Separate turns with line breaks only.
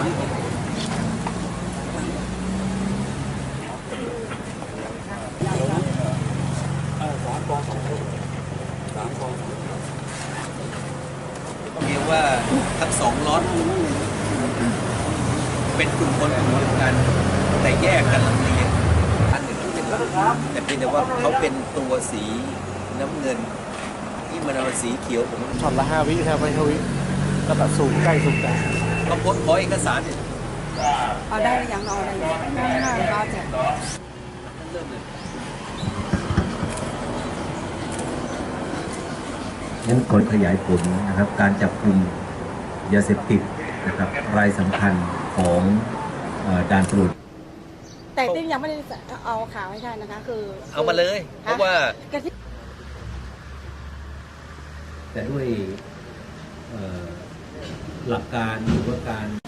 เรียกว่าทั้งสองล็อตเป็นกลุ่มคนกลุ่มเดียวกันแต่แยกกันลำเลียงอันหนึ่งเป็นหลักแต่เพียงแต่ว่าเขาเป็นตัวสีน้ำเงินที่มันเอาสีเขียวผม
ช็อตละ5 วิครับ5 วิแล้วก็สูงใกล้สูงใกล้
เขาโพสต์ขอเอกสารเนี่ย
เอาได้หรือยังเอาอะไรง่ายๆก็จะ
เริ่มเลย
นั้นกดขยายผลนะครับการจับกลุ่มยาเสพติดนะครับรายสำคัญของด่านตรวจ
แต่ติ๊กยังไม่ได้เอาข่าวให้ใช่นะคะคือ
เอามาเลยเพราะว่า
แต่ด้วยหลักการหรือว่าการ